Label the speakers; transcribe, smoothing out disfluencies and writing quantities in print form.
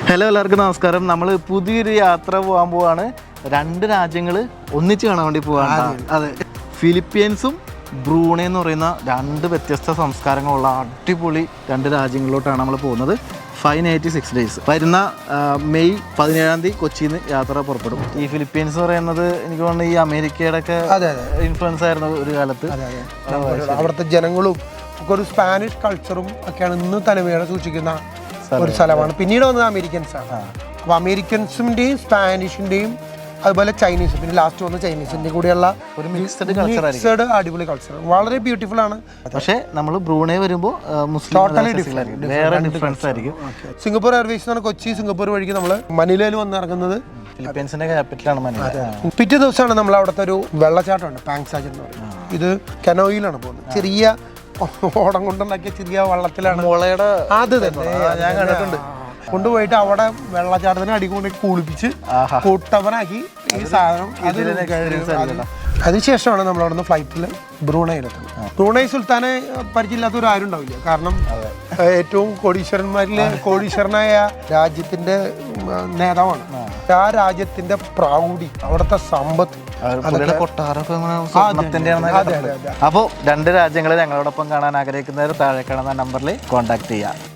Speaker 1: Hello, എല്ലാവർക്കും നമസ്കാരം. നമ്മൾ പുതിയൊരു യാത്ര പോകാൻ പോവാണ്. 2 രാജ്യങ്ങൾ ഒന്നിച്ച് കാണാൻ വേണ്ടി പോവാണ്. അതെ, ഫിലിപ്പീൻസും ബ്രൂണൈ എന്ന് പറയുന്ന 2 വ്യത്യസ്ത സംസ്കാരങ്ങളുള്ള അടിപൊളി 2 രാജ്യങ്ങളിലോട്ടാണ് നമ്മൾ പോകുന്നത്. 586 ഡേയ്സ്. വരുന്ന മെയ് 17-ാം തീയതി കൊച്ചിയിൽ നിന്ന് യാത്ര പുറപ്പെടും. ഈ ഫിലിപ്പീൻസ് എന്ന് പറയുന്നത് എനിക്ക് തോന്നുന്നു ഈ അമേരിക്കയുടെ ഒക്കെ ഇൻഫ്ലുവൻസ് ആയിരുന്നു ഒരു കാലത്ത്.
Speaker 2: അവിടുത്തെ ജനങ്ങളും ഒക്കെ ഒരു സ്പാനിഷ് കൾച്ചറും ഒക്കെയാണ് ഇന്ന് തനിമയോടെ സൂക്ഷിക്കുന്ന ഒരു സ്ഥലമാണ്. പിന്നീട് വന്നത് അമേരിക്കൻസ് ആണ്. അപ്പോൾ അമേരിക്കൻസിൻ്റെയും സ്പാനിഷിൻ്റെയും അതുപോലെ ചൈനീസ്, പിന്നെ ലാസ്റ്റ് വന്ന ചൈനീസിൻ്റെ കൂടെയുള്ള ഒരു മിക്സഡ് അടിപൊളി കൾച്ചർ, വളരെ ബ്യൂട്ടിഫുൾ ആണ്.
Speaker 1: പക്ഷേ നമ്മൾ ബ്രൂണൈ വരുമ്പോൾ
Speaker 2: ടോട്ടലി ഡിഫറെൻറ്റ്,
Speaker 1: വേറെ ഡിഫറൻസ് ആയിരിക്കും.
Speaker 2: സിംഗപ്പൂർ എയർവേസ് എന്ന് പറഞ്ഞാൽ കൊച്ചി സിംഗപ്പൂർ വഴിക്ക് നമ്മൾ മനിലയിൽ വന്ന് ഇറങ്ങുന്നത്.
Speaker 1: ഫിലിപ്പീൻസിന്റെ ക്യാപിറ്റലാണ് മനില.
Speaker 2: പിറ്റേ ദിവസമാണ് നമ്മൾ അവിടുത്തെ ഒരു വെള്ളച്ചാട്ടമുണ്ട്, പാങ്സാജ് എന്ന് പറയുന്നത്. ഇത് കനോയിലാണ് പോകുന്നത്. ചെറിയ ഓടം കൊണ്ടുണ്ടാക്കിയ ചെറിയ വള്ളത്തിലാണ്.
Speaker 1: മുളയുടെ
Speaker 2: അത് തന്നെ ഞാൻ കണ്ടിട്ടുണ്ട്. കൊണ്ടുപോയിട്ട് അവിടെ വെള്ളച്ചാട്ടത്തിന് അടികൊണ്ട് കുളിപ്പിച്ച് കൂട്ടവനാക്കി ഈ സാധനം. അതിനുശേഷമാണ് നമ്മൾ അവിടെ നിന്ന് ഫ്ലൈറ്റിൽ ബ്രൂണൈയിലെത്തുന്നത്. ബ്രൂണൈ സുൽത്താനെ പരിചയമില്ലാത്തവർ ആരും ഉണ്ടാവില്ല. കാരണം ഏറ്റവും കോടീശ്വരനായ രാജ്യത്തിന്റെ നേതാവാണ്. ആ രാജ്യത്തിന്റെ പ്രൗഢി, അവിടുത്തെ സമ്പത്ത്,
Speaker 1: അപ്പോൾ 2 രാജ്യങ്ങൾ ഞങ്ങളോടൊപ്പം കാണാൻ ആഗ്രഹിക്കുന്നവർ താഴെ കാണുന്ന നമ്പറിൽ കോൺടാക്ട് ചെയ്യാം.